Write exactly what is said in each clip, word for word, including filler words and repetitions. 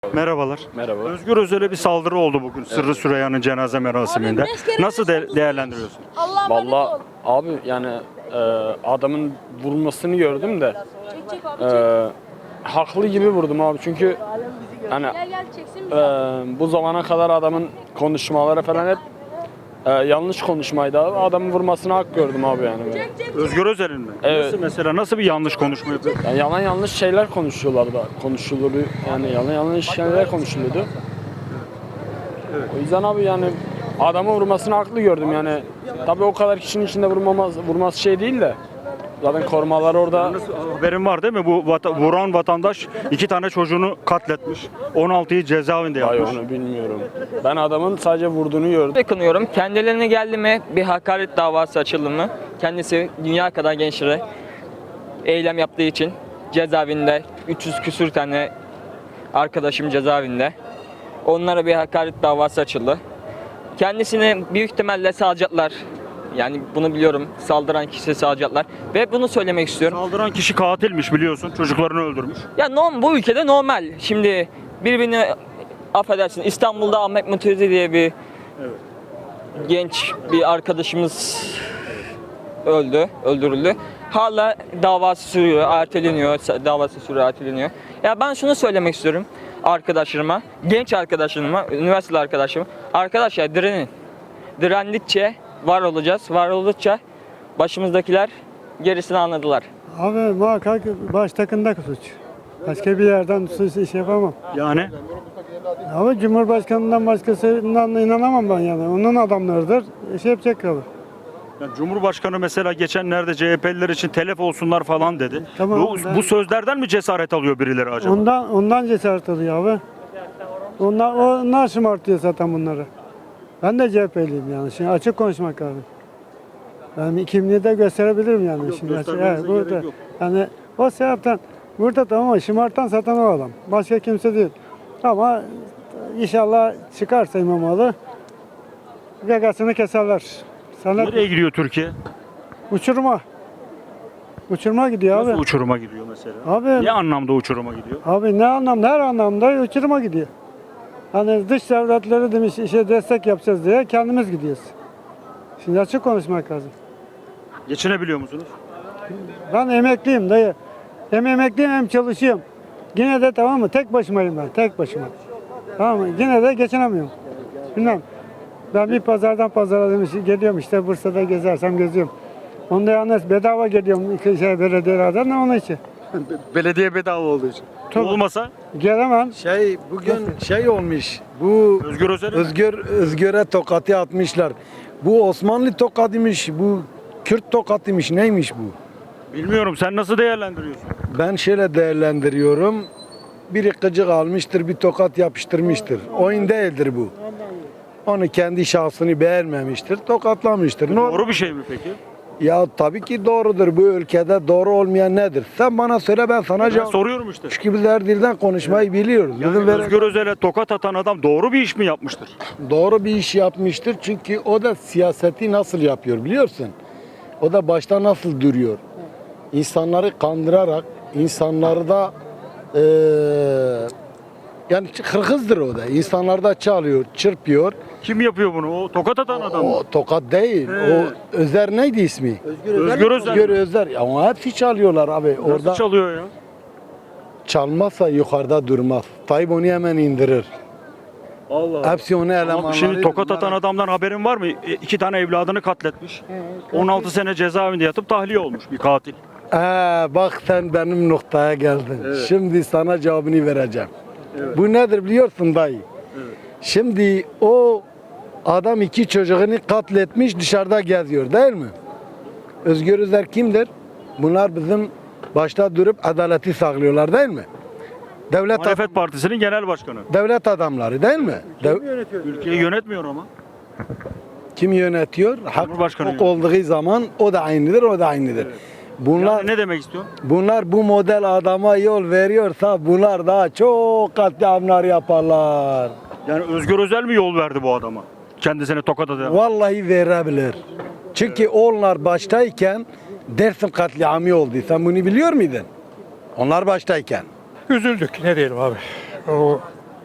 Merhabalar. Merhaba. Özgür Özel'e bir saldırı oldu bugün Sırrı Süreyya'nın cenaze merasiminde. Nasıl de- değerlendiriyorsun? Vallahi abi yani e, adamın vurmasını gördüm de e, haklı gibi vurdum abi çünkü hani e, bu zamana kadar adamın konuşmaları falan hep e, yanlış konuşmaydı abi. Adamın vurmasına hak gördüm abi yani. Böyle. Özgür Özel'in mi? Evet. Nasıl mesela nasıl bir yanlış konuşma yapıyor? Yani yalan yanlış şeyler konuşuyorlar da konuşuluyordu yani yalan yanlış şeyler konuşuluyordu. O yüzden abi yani adamı vurmasını haklı gördüm yani. Tabii o kadar kişinin içinde vurmamaz, vurması şey değil de. Zaten korumalar orada. Nasıl, haberin var değil mi? Bu vata- vuran vatandaş iki tane çocuğunu katletmiş. on altıyı cezaevinde Ay yapmış. onu bilmiyorum. Ben adamın sadece vurduğunu gördüm. Kınıyorum. Kendilerine geldi mi bir hakaret davası açıldı mı? Kendisi dünya kadar gençlere eylem yaptığı için cezaevinde üç yüz küsür tane arkadaşım cezaevinde. Onlara bir hakaret davası açıldı. Kendisini büyük ihtimalle salacaklar. Yani bunu biliyorum. Saldıran kişi salacaklar. Ve bunu söylemek istiyorum. Saldıran kişi katilmiş biliyorsun. Çocuklarını öldürmüş. Ya norm, bu ülkede normal. Şimdi birbirini affedersin İstanbul'da Ahmet Mutezi diye bir genç bir arkadaşımız öldü, öldürüldü. Hala davası sürüyor, erteleniyor, davası sürüyor, erteleniyor. Ya ben şunu söylemek istiyorum arkadaşlarıma, genç arkadaşlarıma, üniversiteli arkadaşlarıma. Arkadaşlar direnin. Direndikçe var olacağız, var oldukça başımızdakiler gerisini anladılar. Abi muhakkak baştakında suç. Başka bir yerden suç iş yapamam. Yani Ama Cumhurbaşkanından başkasından inanamam ben yani. Onun adamlarıdır. İş yapacak kalır. yani Cumhurbaşkanı mesela geçenlerde C H P'liler için telef olsunlar falan dedi. Tamam, bu, ben- bu sözlerden mi cesaret alıyor birileri acaba? Ondan ondan cesaret alıyor abi. Onlar, onlar şımartıyor zaten bunları. Ben de C H P'liyim yani. Şimdi açık konuşmak lazım. Ben kimliği de gösterebilirim yani. Yok, Şimdi açık- göstermenize burada, gerek yok. yani o sebepten burada tamam ama şımartan zaten o adam. Başka kimse değil. Ama inşallah çıkarsa İmamoğlu gagasını keserler. Sana Nereye gidiyor Türkiye? uçurma. Uçurma gidiyor Nasıl abi. uçuruma gidiyor mesela? Abi, Ne anlamda uçuruma gidiyor? abi ne anlamda? Her anlamda uçurma gidiyor. Hani dış devletleri demiş işe destek yapacağız diye kendimiz gidiyoruz. Şimdi açık konuşmak lazım. Geçinebiliyor musunuz? Ben emekliyim dayı. Hem emekliyim hem çalışıyorum. Yine de tamam mı? Tek başımayım ben. Tek başıma. Tamam mı? Yine de geçinemiyorum. Bilmem. Ben bir pazardan pazara demiş, geliyorum işte Bursa'da gezersem geziyorum. Onda yalnız bedava geliyorum şey, belediyelerden de onun için. Belediye bedava olduğu için. Tabii. Olmasa Gelemem. Şey bugün şey olmuş. Bu Özgür Özel'e mi? Özgür Özgür'e tokatı atmışlar. Bu Osmanlı tokatıymış, bu Kürt tokatıymış. Neymiş bu? Bilmiyorum, sen nasıl değerlendiriyorsun? Ben şöyle değerlendiriyorum. Biri gıcık almıştır, bir tokat yapıştırmıştır. Oyun değildir bu. Onu kendi şahsını beğenmemiştir, tokatlamıştır. Ne Doğru bir şey mi peki? Ya tabii ki doğrudur. Bu ülkede doğru olmayan nedir? Sen bana söyle, ben sana Ben cevap. soruyorum işte. Şu gibiler dilden konuşmayı biliyoruz. Yani Bizim vere- Özgür Özel'e tokat atan adam doğru bir iş mi yapmıştır? doğru bir iş yapmıştır. Çünkü o da siyaseti nasıl yapıyor biliyorsun? O da başta nasıl duruyor? İnsanları kandırarak, insanları da eee yani hırkızdır o da. İnsanları da çalıyor, çırpıyor. Kim yapıyor bunu? O tokat atan adam mı? O tokat değil. He. O Özer neydi ismi? Özgür Özel. Özgür Özer. Ya ama hepsi çalıyorlar abi. Nasıl Orada çalıyor ya? çalmazsa yukarıda durmaz. Tayyip onu hemen indirir. Allah Allah. Hepsi onu Ama elemanları. şimdi tokat atan adamdan haberin var mı? E, İki tane evladını katletmiş. on altı sene cezaevinde yatıp tahliye olmuş bir katil. Ee, bak sen benim noktaya geldin. Şimdi sana cevabını vereceğim. Bu nedir biliyorsun dayı? Şimdi o adam iki çocuğunu katletmiş, dışarıda geziyor değil mi? Özgür Özel kimdir? Bunlar bizim başta durup adaleti sağlıyorlar değil mi? Devlet Muhalefet Partisi'nin genel başkanı. devlet adamları değil mi? Dev- Ülkeyi yönetmiyor ama. kim yönetiyor? Hak Cumhurbaşkanı hak yönetiyor. olduğu zaman o da aynıdır, o da aynıdır. Bunlar Yani ne demek istiyorsun? Bunlar bu model adama yol veriyorsa bunlar daha çok katliamlar yaparlar. Yani Özgür Özel mi yol verdi bu adama? Kendisine tokat atan. Vallahi verebilir. Çünkü onlar baştayken Dersim katliamı oldu. Sen bunu biliyor muydun? Onlar baştayken. Üzüldük ne diyelim abi. O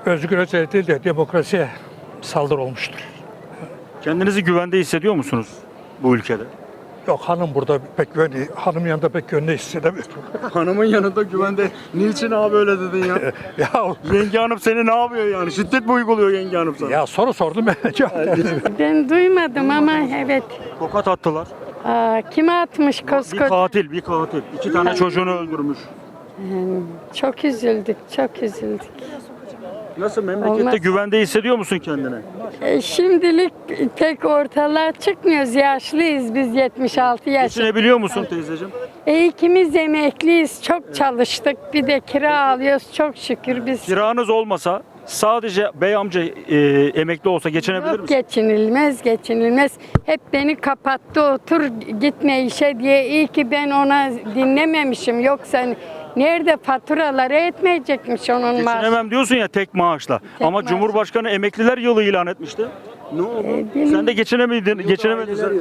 Özgür Özel değil de demokrasiye saldırı olmuştur. Kendinizi güvende hissediyor musunuz bu ülkede? Yok, hanım burada pek güvenli, hanım yanında pek güvenli hissedemiyorum. Hanımın yanında güvende. Niçin abi öyle dedin ya? ya, Yenge hanım seni ne yapıyor yani? Şiddet mi uyguluyor yenge hanım sana? ya soru sordum ben cevap verdim. Ben duymadım ama evet. Tokat attılar. Aa, kime atmış Bir koskoca? katil, bir katil. İki tane çocuğunu öldürmüş. Çok üzüldük, çok üzüldük. Nasıl memlekette Olmaz. güvende hissediyor musun kendini? E, şimdilik pek ortalığa çıkmıyoruz. Yaşlıyız biz, yetmiş altı yaş. Geçinebiliyor musun teyzeciğim? E, ikimiz emekliyiz. Çok çalıştık. Bir de kira alıyoruz. Çok şükür biz. Kiranız olmasa sadece bey amca e, emekli olsa geçinebilir Yok, misin? geçinilmez, geçinilmez. Hep beni kapattı, otur gitme işe diye. İyi ki ben ona dinlememişim. Yoksa nerede faturaları etmeyecekmiş onun maaşı. Geçinemem diyorsun ya tek maaşla. Tek Ama maaş. Cumhurbaşkanı emekliler yılı ilan etmişti. Ne oldu? E, benim- Sen de geçinemedin, geçinemedin. sen.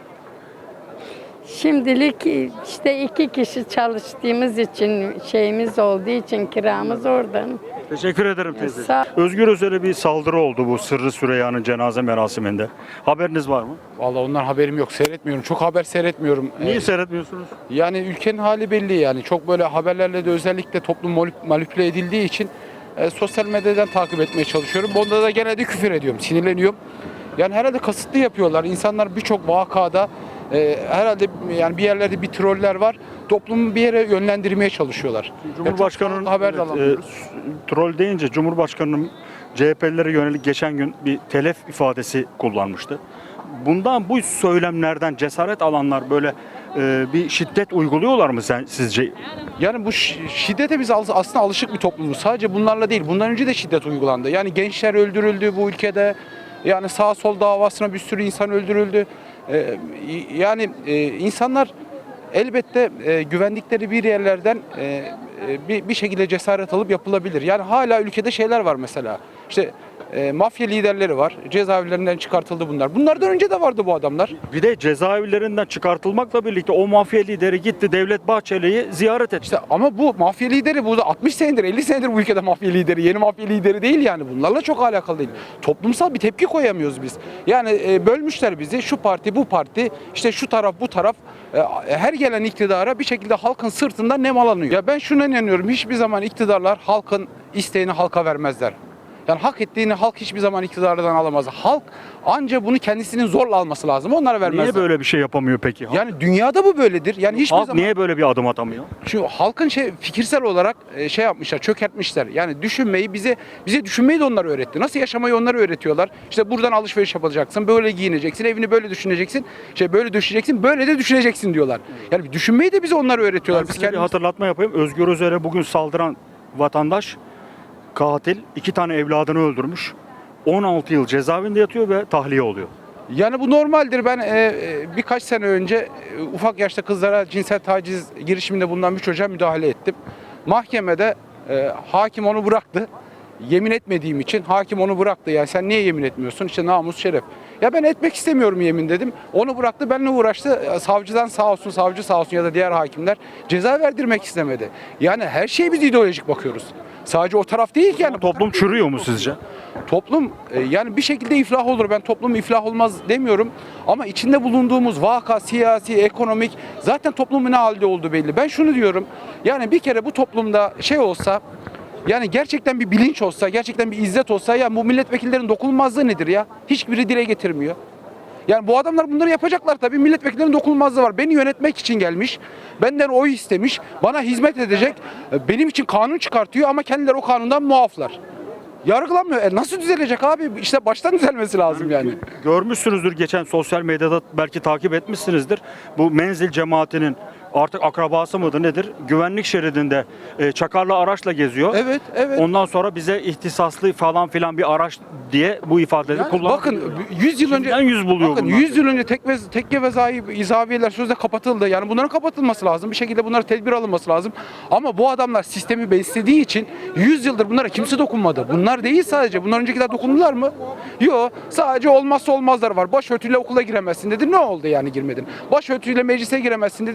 Şimdilik işte iki kişi çalıştığımız için, şeyimiz olduğu için kiramız oradan. Teşekkür ederim teyze. sağ- Özgür Özel'e bir saldırı oldu bu Sırrı Süreyya'nın cenaze merasiminde. Haberiniz var mı? Vallahi ondan haberim yok. Seyretmiyorum. Çok haber seyretmiyorum. Niye Ee, seyretmiyorsunuz? yani ülkenin hali belli yani. Çok böyle haberlerle de özellikle toplum manip- manipüle edildiği için e, sosyal medyadan takip etmeye çalışıyorum. Bunda da genelde küfür ediyorum. Sinirleniyorum. Yani herhalde kasıtlı yapıyorlar. İnsanlar birçok vakada e, herhalde yani bir yerlerde bir troller var. Toplumu bir yere yönlendirmeye çalışıyorlar. Cumhurbaşkanı'nın Yani çok haber de evet, alamıyoruz. e, troll deyince Cumhurbaşkanı'nın C H P'lilere yönelik geçen gün bir telef ifadesi kullanmıştı. Bundan bu söylemlerden cesaret alanlar böyle e, bir şiddet uyguluyorlar mı sen sizce? Yani bu şi- şiddete biz al- aslında alışık bir toplumuz. Sadece bunlarla değil. Bundan önce de şiddet uygulandı. Yani gençler öldürüldü bu ülkede. Yani sağ sol davasına bir sürü insan öldürüldü. Ee, yani e, insanlar elbette e, güvendikleri bir yerlerden e, e, bir, bir şekilde cesaret alıp yapılabilir. Yani hala ülkede şeyler var mesela. İşte e, mafya liderleri var. Cezaevlerinden çıkartıldı bunlar. Bunlardan önce de vardı bu adamlar. Bir de cezaevlerinden çıkartılmakla birlikte o mafya lideri gitti Devlet Bahçeli'yi ziyaret etti. İşte ama bu mafya lideri bu da altmış senedir elli senedir bu ülkede mafya lideri. Yeni mafya lideri değil yani. Bunlarla çok alakalı değil. Toplumsal bir tepki koyamıyoruz biz. Yani e, bölmüşler bizi. Şu parti bu parti işte şu taraf bu taraf e, her gelen iktidara bir şekilde halkın sırtından nemalanıyor. Ya ben şuna inanıyorum. Hiçbir zaman iktidarlar halkın isteğini halka vermezler. Yani hak ettiğini halk hiçbir zaman iktidardan alamaz. Halk anca bunu kendisinin zorla alması lazım. Onlara vermezler. Niye böyle bir şey yapamıyor peki? Yani dünyada bu böyledir. Yani hiçbir Halk zaman niye böyle bir adım atamıyor? şu halkın şey fikirsel olarak e, şey yapmışlar, çökertmişler. Yani düşünmeyi bize bize düşünmeyi de onlar öğretti. Nasıl yaşamayı onlar öğretiyorlar. İşte buradan alışveriş yapacaksın, böyle giyineceksin, evini böyle düşüneceksin, şey böyle düşeceksin, böyle de düşüneceksin diyorlar. Yani düşünmeyi de bize onlar öğretiyorlar. Ben Biz size bir kendimiz hatırlatma yapayım. Özgür Özel'e bugün saldıran vatandaş katil iki tane evladını öldürmüş. on altı yıl cezaevinde yatıyor ve tahliye oluyor. Yani bu normaldir. Ben e, e, birkaç sene önce e, ufak yaşta kızlara cinsel taciz girişiminde bulunan bir çocuğa müdahale ettim. Mahkemede e, hakim onu bıraktı. Yemin etmediğim için hakim onu bıraktı. Yani sen niye yemin etmiyorsun? İşte namus, şeref. Ya ben etmek istemiyorum yemin dedim. Onu bıraktı, benimle uğraştı. Savcıdan sağ olsun, savcı sağ olsun ya da diğer hakimler ceza verdirmek istemedi. Yani her şeye biz ideolojik bakıyoruz. Sadece o taraf değil ki yani. Toplum çürüyor mu sizce? Toplum e, yani bir şekilde iflah olur. Ben toplum iflah olmaz demiyorum. Ama içinde bulunduğumuz vaka, siyasi, ekonomik zaten toplumun ne halde olduğu belli. Ben şunu diyorum. Yani bir kere bu toplumda şey olsa yani gerçekten bir bilinç olsa, gerçekten bir izzet olsa ya bu milletvekillerinin dokunulmazlığı nedir ya? Hiçbiri dile getirmiyor. Yani bu adamlar bunları yapacaklar tabii. Milletvekillerinin dokunulmazlığı var. Beni yönetmek için gelmiş. Benden oy istemiş. Bana hizmet edecek. Benim için kanun çıkartıyor ama kendileri o kanundan muaflar. Yargılanmıyor. E nasıl düzelecek abi? İşte baştan düzelmesi lazım yani. Görmüşsünüzdür geçen sosyal medyada belki takip etmişsinizdir. Bu menzil cemaatinin artık akrabası mıdır nedir? Güvenlik şeridinde e, çakarlı araçla geziyor. Evet, evet. Ondan sonra bize ihtisaslı falan filan bir araç diye bu ifadeleri Yani kullanıyor. bakın yüz yıl önce Kimden yüz buluyor bakın bunlar? yüz yıl önce tek ve tekke ve zayi izaviyeler sözde kapatıldı. Yani bunların kapatılması lazım. Bir şekilde bunlara tedbir alınması lazım. Ama bu adamlar sistemi beslediği için yüz yıldır bunlara kimse dokunmadı. Bunlar değil sadece. Bunlar öncekiler dokundular mı? Yok. Sadece olmazsa olmazlar var. Başörtüyle okula giremezsin dedi. Ne oldu yani girmedin? Başörtüyle meclise giremezsin dedi. Ne oldu?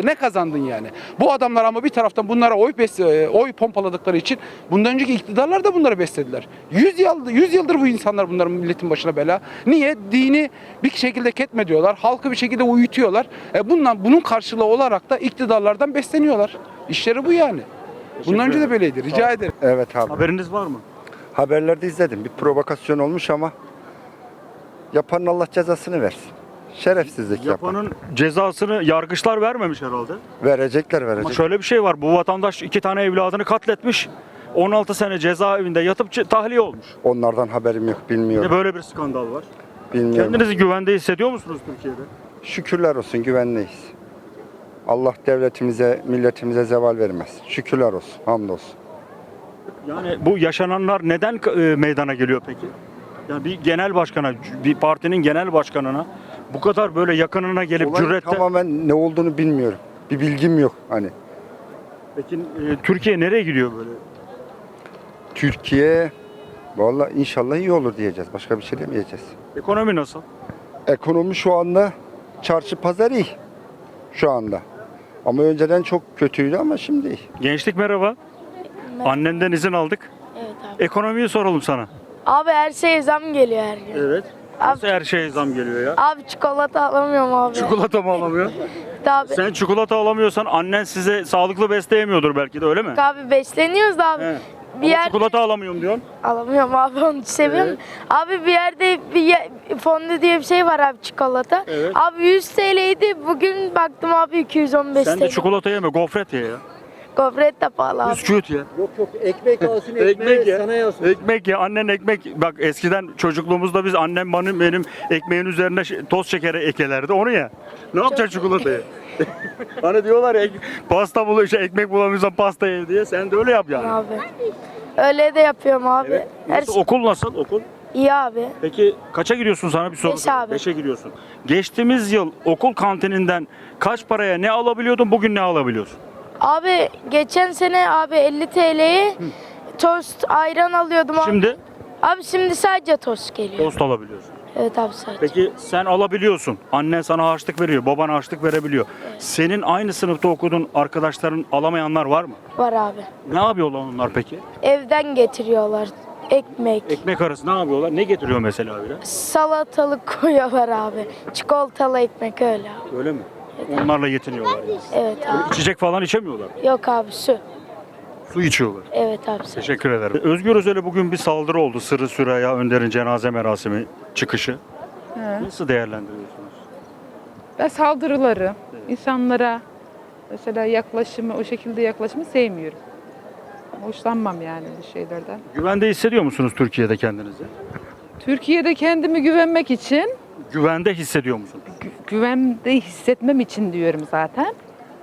Ne kazandın yani? Bu adamlar ama bir taraftan bunlara oy bes- oy pompaladıkları için bundan önceki iktidarlar da bunları beslediler. yüz yıl yüz yıldır bu insanlar bunların milletin başına bela. Niye? Dini bir şekilde ketme diyorlar. Halkı bir şekilde uyutuyorlar. E bundan bunun karşılığı olarak da iktidarlardan besleniyorlar. İşleri bu yani. Bundan önce de böyleydi. Rica ederim. Evet abi. Haberiniz var mı? Haberlerde izledim. Bir provokasyon olmuş ama yapanın Allah cezasını versin. Şerefsizlik yapan. Yapanın cezasını yargıçlar vermemiş herhalde. Verecekler Ama verecek. şöyle bir şey var. Bu vatandaş iki tane evladını katletmiş. on altı sene cezaevinde yatıp çı- tahliye olmuş. Onlardan haberim yok, Bir de bilmiyorum. böyle bir skandal var. Bilmiyorum. Kendinizi güvende hissediyor musunuz Türkiye'de? Şükürler olsun, güvendeyiz. Allah devletimize, milletimize zeval vermez. Şükürler olsun, hamdolsun. Yani bu yaşananlar neden e, meydana geliyor peki? Yani bir genel başkana, bir partinin genel başkanına bu kadar böyle yakınına gelip Olayın cüretle... tamamen ne olduğunu bilmiyorum. Bir bilgim yok hani. Peki e, Türkiye nereye gidiyor böyle? Türkiye vallahi inşallah iyi olur diyeceğiz. Başka bir şey demeyeceğiz. Ekonomi nasıl? Ekonomi şu anda çarşı pazar iyi. Şu anda. Ama önceden çok kötüydü ama şimdi iyi. Gençlik merhaba. Annenden izin aldık. Evet abi. Ekonomiyi soralım sana. Abi her şeye zam geliyor her gün. Evet. Abi, Nasıl her şeye zam geliyor ya? abi çikolata alamıyorum abi. Çikolata mı alamıyor? Abi, Sen çikolata alamıyorsan annen size sağlıklı besleyemiyordur belki de, öyle mi? abi besleniyoruz da abi. He. Bir Ama yer çikolata alamıyorum diyorsun. alamıyorum abi, onu seviyorum. Abi bir yerde bir ye- fondü diye bir şey var abi, çikolata. Evet. Abi yüz T L'ydi. Bugün baktım abi iki yüz on beş Sen T de L. çikolata yeme, gofret ye ya. Gofret de pahalı abi. Bisküvit ye. Yok yok ekmek alsın Ekmek ye. sana yazsın. Ekmek ye. Annen ekmek. Bak eskiden çocukluğumuzda biz annem benim, benim ekmeğin üzerine ş- toz şekeri ekelerdi. Onu ye. Ne yapacaksın çikolatayı? Hani diyorlar ya, ek- pasta bul, şey, ekmek bulamıyorsan pasta ye diye. Sen de öyle yap yani. Abi. Öyle de yapıyorum abi. Evet. Her Nasıl, şey okul nasıl? Okul? iyi abi. Peki kaça gidiyorsun, sana bir soru Beş sorayım. abi. Beşe gidiyorsun. Geçtiğimiz yıl okul kantininden kaç paraya ne alabiliyordun, bugün ne alabiliyorsun? Abi geçen sene abi elli T L'ye tost ayran alıyordum abi. Şimdi Abi şimdi sadece tost geliyor. tost alabiliyorsun. Evet abi sadece. Peki sen alabiliyorsun. Annen sana harçlık veriyor, baban harçlık verebiliyor. Senin aynı sınıfta okuduğun arkadaşların alamayanlar var mı? Var abi. Ne yapıyorlar onlar peki? Evden getiriyorlar ekmek. Ekmek arası ne yapıyorlar? Ne getiriyor mesela öyle? Salatalık koyuyorlar abi. Çikolatalı ekmek öyle abi. Öyle mi? Onlarla yetiniyorlar yani. Evet abi. İçecek falan içemiyorlar. Yok abi su. Su içiyorlar. Evet abi su. Teşekkür ederim. Özgür Özel'e bugün bir saldırı oldu. Sırrı Süreyya Önder'in cenaze merasimi çıkışı. Nasıl değerlendiriyorsunuz? Ben saldırıları, insanlara mesela yaklaşımı, o şekilde yaklaşımı sevmiyorum. Hoşlanmam yani bu şeylerden. Güvende hissediyor musunuz Türkiye'de kendinizi? Türkiye'de kendimi güvenmek için, Güvende hissediyor musunuz? gü- güvende hissetmem için diyorum zaten.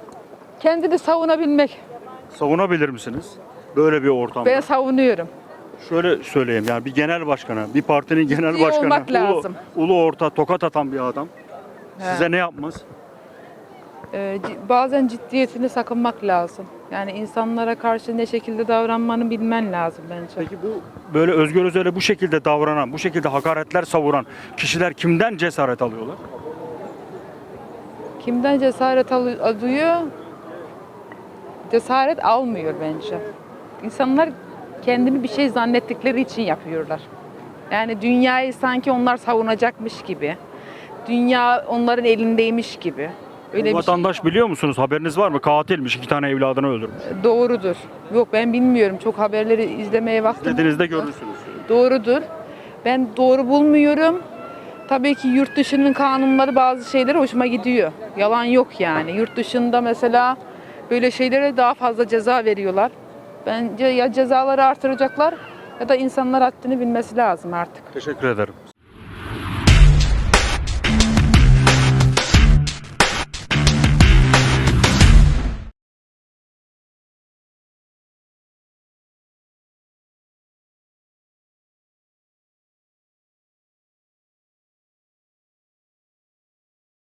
Kendini savunabilmek. Savunabilir misiniz? Böyle bir ortamda. Ben savunuyorum. Şöyle söyleyeyim, yani bir genel başkana, bir partinin genel Ciddi başkanı, olmak ulu, lazım. ulu orta tokat atan bir adam He. size ne yapmaz? Ee, ci- bazen ciddiyetini sakınmak lazım. Yani insanlara karşı ne şekilde davranmanı bilmen lazım bence. Peki bu böyle Özgür Özel'e bu şekilde davranan, bu şekilde hakaretler savuran kişiler kimden cesaret alıyorlar? Kimden cesaret al- alıyor? Cesaret almıyor bence. İnsanlar kendini bir şey zannettikleri için yapıyorlar. Yani dünyayı sanki onlar savunacakmış gibi. Dünya onların elindeymiş gibi. Öyle Bu bir şey vatandaş biliyor musunuz? Haberiniz var mı? Katilmiş, iki tane evladını öldürmüş. doğrudur. Yok ben bilmiyorum. Çok haberleri izlemeye vaktim Dediğinizde olmadı. görürsünüz. Doğrudur. Ben doğru bulmuyorum. Tabii ki yurt dışının kanunları bazı şeylere hoşuma gidiyor. Yalan yok yani. Yurt dışında mesela böyle şeylere daha fazla ceza veriyorlar. Bence ya cezaları artıracaklar ya da insanlar haddini bilmesi lazım artık. Teşekkür ederim.